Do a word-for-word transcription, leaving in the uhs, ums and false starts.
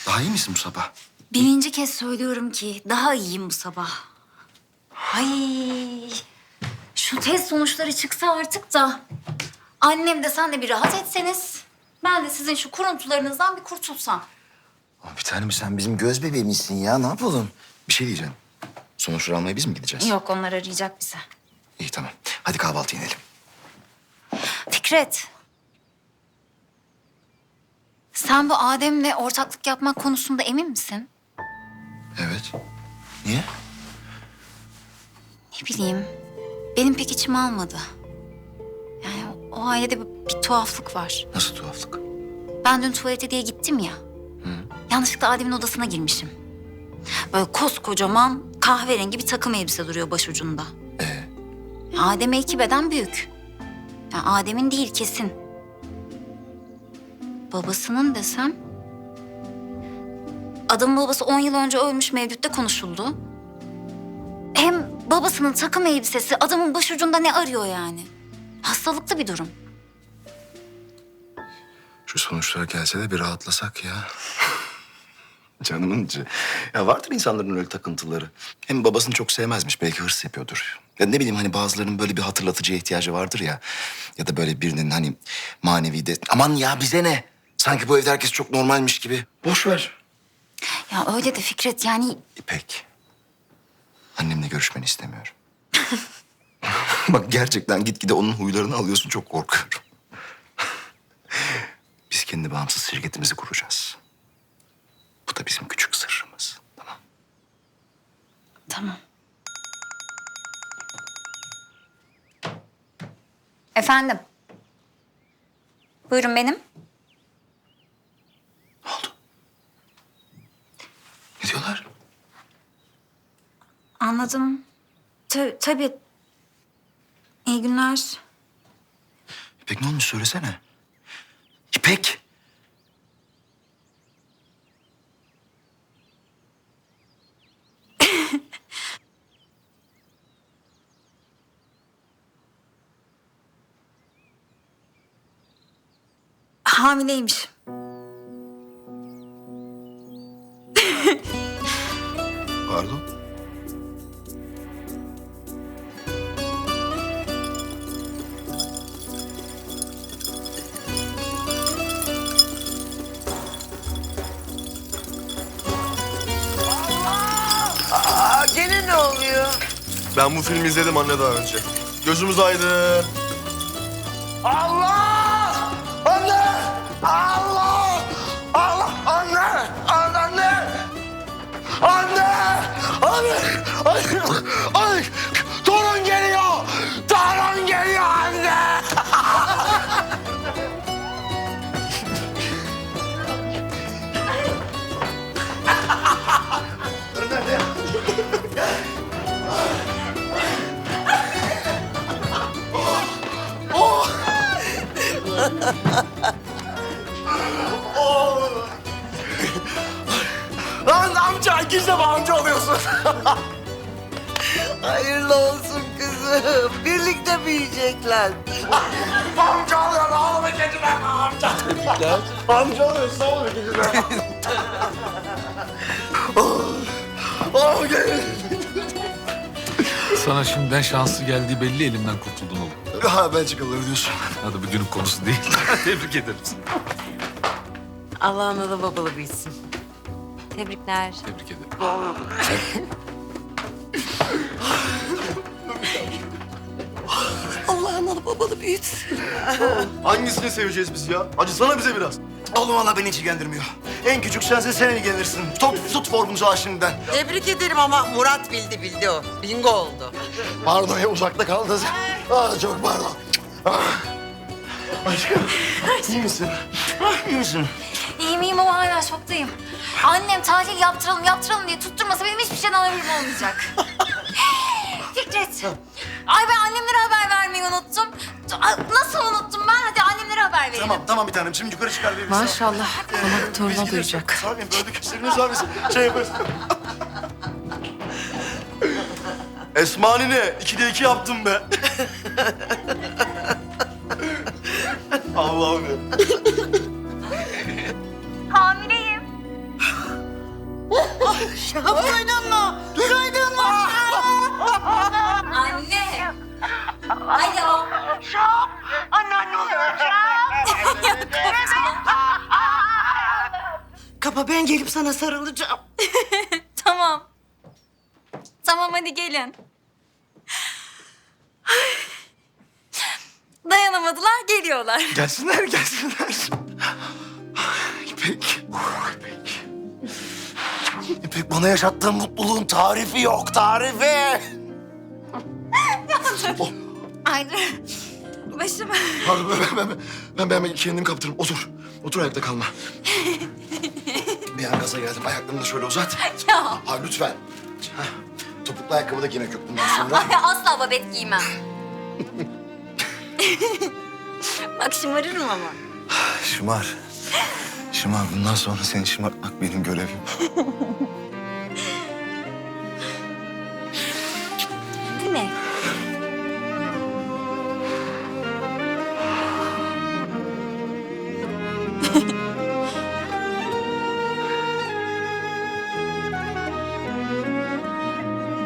Daha iyi misin bu sabah? Birinci kez söylüyorum ki daha iyiyim bu sabah. Ay, şu test sonuçları çıksa artık da annem de sen de bir rahat etseniz, ben de sizin şu kuruntularınızdan bir kurtulsam. Ama bir tanem sen bizim göz bebeğimizsin ya. Ne yapalım? Bir şey diyeceğim. Sonuçları almaya biz mi gideceğiz? Yok, onlar arayacak bizi. İyi tamam. Hadi kahvaltı inelim. Fikret. Sen bu Adem'le ortaklık yapmak konusunda emin misin? Evet. Niye? Ne bileyim, benim pek içime almadı. Yani o ailede bir, bir tuhaflık var. Nasıl tuhaflık? Ben dün tuvalete diye gittim ya. Yanlışlıkla Adem'in odasına girmişim. Böyle koskocaman kahverengi bir takım elbise duruyor başucunda. Ee? Adem'e iki beden büyük. Yani Adem'in değil kesin. Babasının desem... Adamın babası on yıl önce ölmüş, Mevlüt'te konuşuldu. Hem babasının takım elbisesi adamın başucunda ne arıyor yani? Hastalıklı bir durum. Şu sonuçlar gelse de bir rahatlasak ya. Canımın içi. Ya vardır insanların öyle takıntıları. Hem babasını çok sevmezmiş. Belki hırs yapıyordur. Ya ne bileyim hani bazılarının böyle bir hatırlatıcıya ihtiyacı vardır ya. Ya da böyle birinin hani manevi de... Aman ya bize ne? Sanki bu evde herkes çok normalmiş gibi. Boş ver. Ya öyle de Fikret, yani İpek. Annemle görüşmeni istemiyorum. Bak gerçekten gitgide onun huylarını alıyorsun. Çok korkuyorum. Biz kendi bağımsız şirketimizi kuracağız. Bu da bizim küçük sırrımız. Tamam. tamam. Efendim? Buyurun benim. Ne oldu? Ne diyorlar? Anladım. Ta- tabii. İyi günler. İpek ne olmuş söylesene. İpek. Hamileymiş. Pardon. Aa, gene ne oluyor? Ben bu filmi izledim anne daha önce. Gözümüz aydın. Allah! Anne! Allah! Allah! Anne! Anne! Anne! Anne! Anne! Anne! Torun geliyor! Torun geliyor anne! Lan amca ikinci defa amca oluyorsun. Hayırlı olsun kızım. Birlikte büyüyecekler. Amca oluyor oğlum ikinci defa amca. Amca oluyorsun oğlum ikinci defa. Oh, oh gel. Sana şimdiden şanslı geldiği belli, elimden kurtuldun oğlum. Ha Belçikalıları diyorsun. Hadi bugünün konusu değil. Tebrik ederim seni. Allah analı babalı büyüsün. Tebrikler. Tebrik ederim. Allah analı babalı büyütsün. Hangisini seveceğiz biz ya? Acısana bize biraz. Oğlum valla beni hiç ilgilendirmiyor. En küçük sensin, sen ilgilenirsin. Top, tut formumuzu ha şimdiden. Tebrik ederim ama Murat bildi bildi o. Bingo oldu. Pardon ya uzakta kaldınız. Ah çok pardon. Ah. Aşkım iyi misin? Ah, iyi misin? İyiyim iyiyim ama hala şoktayım. Annem tahlil yaptıralım yaptıralım diye tutturmasa benim hiçbir şeyden haberim olmayacak. Fikret. Ay ben annemlere haber vermeyi unuttum. Ay, nasıl unuttum ben? Hadi annemlere haber verelim. Tamam tamam bir tanem. Şimdi yukarı çıkar bir Maşallah. Konak toruna duyacak. Sağ olun böyle gösteriniz var mısın? Şey yaparız. Esmani ne? İkide iki yaptım be. Allah'ım ya. Hamileyim. Şahap duydun mu? Duydun mu? Anne. Alo. Anneanne oluyor. Kapa, ben gelip sana sarılacağım. Tamam. Tamam hadi gelin. Dayanamadılar geliyorlar. Gelsinler, gelsinler. İpek. İpek. İpek, bana yaşattığın mutluluğun tarifi yok, tarifi. Oh, Ay dur. Başım. pardon, ben, ben, ben, ben, ben kendimi kaptırırım. Otur, otur ayakta kalma. Bir an gaza geldim, ayaklarını da şöyle uzat. Ya. Ha, lütfen. Hah, topuklu ayakkabı da giymek yok bundan sonra. Ay, asla babet giymem. Bak şımarırım ama. Şımar. Şımar, bundan sonra seni şımartmak benim görevim.